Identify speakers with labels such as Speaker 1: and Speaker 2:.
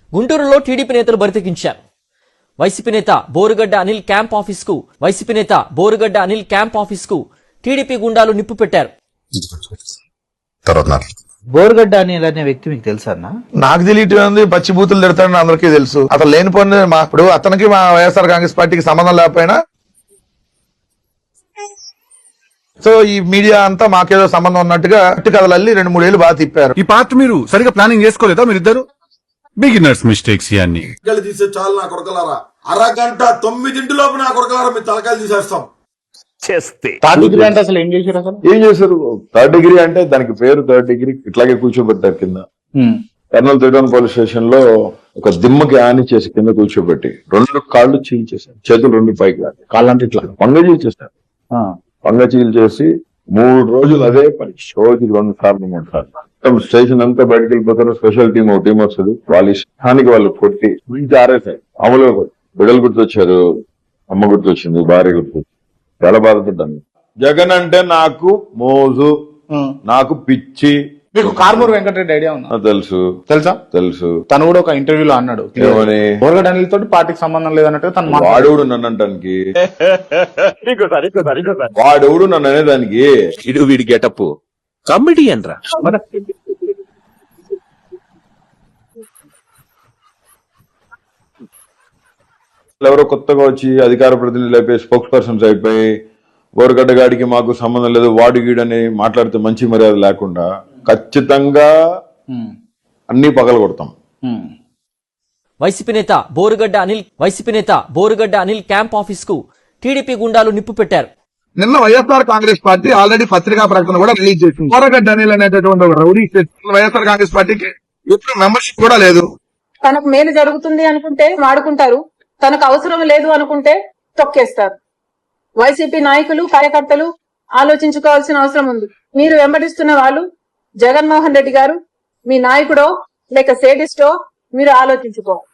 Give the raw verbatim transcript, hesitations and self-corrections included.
Speaker 1: గుంటూరులో టీడీపీ నేతలు బరితెగించారు. వైసీపీ నేత బోరుగడ్డ అనిల్ క్యాంప్ ఆఫీస్ కు వైసీపీ నేత బోరుగడ్డ అనిల్ క్యాంప్ ఆఫీస్ కు టీడీపీ గుండాలు నిప్పు పెట్టారు.
Speaker 2: బోరుగడ్డ అనిల్ అనే వ్యక్తి మీకు తెలుసా అన్న?
Speaker 3: నాకు తెలియటం పచ్చి బూతులు తిడతాడని అందరికీ తెలుసు. అతను లేని పని మా ఇప్పుడు అతనికి మా వైఎస్ఆర్ కాంగ్రెస్ పార్టీకి సంబంధం లేకపోయినా సో ఈ మీడియా అంతా మాకేదో సంబంధం ఉన్నట్టుగా కథలల్లి రెండు మూడేళ్లు బాగా తిప్పారు.
Speaker 4: ఈ పార్ట్ మీరు సరిగా ప్లానింగ్ చేసుకోలేదా? మీరిద్దరు బిగినర్స్ మిస్టేక్స్ ఇవన్నీ
Speaker 5: తీసే చాలు నా కొరకలారా. అరగంట తొమ్మిదింటిలోపు నా కొరకలారా మీ తలకాయలు తీసేస్తాం.
Speaker 2: థర్డ్ డిగ్రీ అంటే అసలు ఏం చేశారు? అసలు
Speaker 6: ఏం చేశారు? థర్డ్ డిగ్రీ అంటే దానికి పేరు థర్డ్ డిగ్రీ. ఇట్లాగే కూర్చోబెట్టారు కింద. కర్నూలు తిరువన్ పోలీస్ స్టేషన్ లో ఒక దిమ్మకి ఆని చేసి కింద కూర్చోబెట్టి రెండు కాళ్ళు చీల్చేశారు. చేతులు రెండు పైకి కాళ్ళు అంటే ఇట్లా పంగ చీల్చేశారు. పంగ చీల్చేసి మూడు రోజులు అదే పని. రోజుకి రెండు సార్లు మూడు సార్లు స్టేషన్ అంతా బయటకు వెళ్ళిపోతారు. స్పెషల్ టీం ఒక టీం వస్తుంది. వాళ్ళ ఇష్టానికి వాళ్ళు కొట్టి ఆరేసాయి. అమలుగా బిడ్డలు గుర్తొచ్చారు, అమ్మ గుర్తొచ్చింది, భార్య గుర్తొచ్చింది. చాలా బాధపడ్డాను. జగన్ అంటే నాకు మోజు, నాకు పిచ్చి.
Speaker 2: మీకు కార్మూర్ వెంకటరెడ్డి ఐడియా ఉందా?
Speaker 6: తెలుసు.
Speaker 2: తెలుసా?
Speaker 6: తెలుసు.
Speaker 2: తను కూడా ఒక ఇంటర్వ్యూలో అన్నాడు, బోరుగడ్డ అనిల్ తోటి పార్టీకి సంబంధం లేదన్నట్టు. తను
Speaker 6: వాడెవడు నన్ను అంటానికి? వాడెవడు నన్ను అనేదానికి?
Speaker 7: ఇడు వీడి గెటప్ కమెడియన్ రా.
Speaker 6: ఎవరో కొత్తగా వచ్చి అధికార ప్రతినిధులు అయిపోయి స్పోక్స్ పర్సన్స్ అయిపోయి బోరుగడ్డ గాడికి మాకు సంబంధం లేదు, వాడు గీడని మాట్లాడితే మంచి మర్యాద లేకుండా ఖచ్చితంగా అన్ని పగల కొడతాం.
Speaker 1: వైసీపీ నేత బోరుగడ్డ అనిల్ వైసీపీ నేత బోరుగడ్డ అనిల్ క్యాంప్ ఆఫీస్ కు టీడీపీ గుండాలు నిప్పు పెట్టారు.
Speaker 3: నిన్న వైఎస్ఆర్ కాంగ్రెస్ పార్టీ ఆల్రెడీ పత్రికా ప్రకటన కూడా రిలీజ్ చేసింది. బోరుగడ్డ అనిల్ అనేటటువంటి ఒక రౌడీ వైఎస్ఆర్ కాంగ్రెస్ పార్టీకి ఎప్పుడు మెంబర్షిప్ కూడా లేదు.
Speaker 8: తనకు మేలు జరుగుతుంది అనుకుంటే వాడుకుంటారు, తనకు అవసరం లేదు అనుకుంటే తొక్కేస్తారు. వైసీపీ నాయకులు కార్యకర్తలు ఆలోచించుకోవాల్సిన అవసరం ఉంది. మీరు వెంబడిస్తున్న వాళ్ళు జగన్మోహన్ రెడ్డి గారు మీ నాయకుడో లేక సేడిస్టో మీరు ఆలోచించుకో.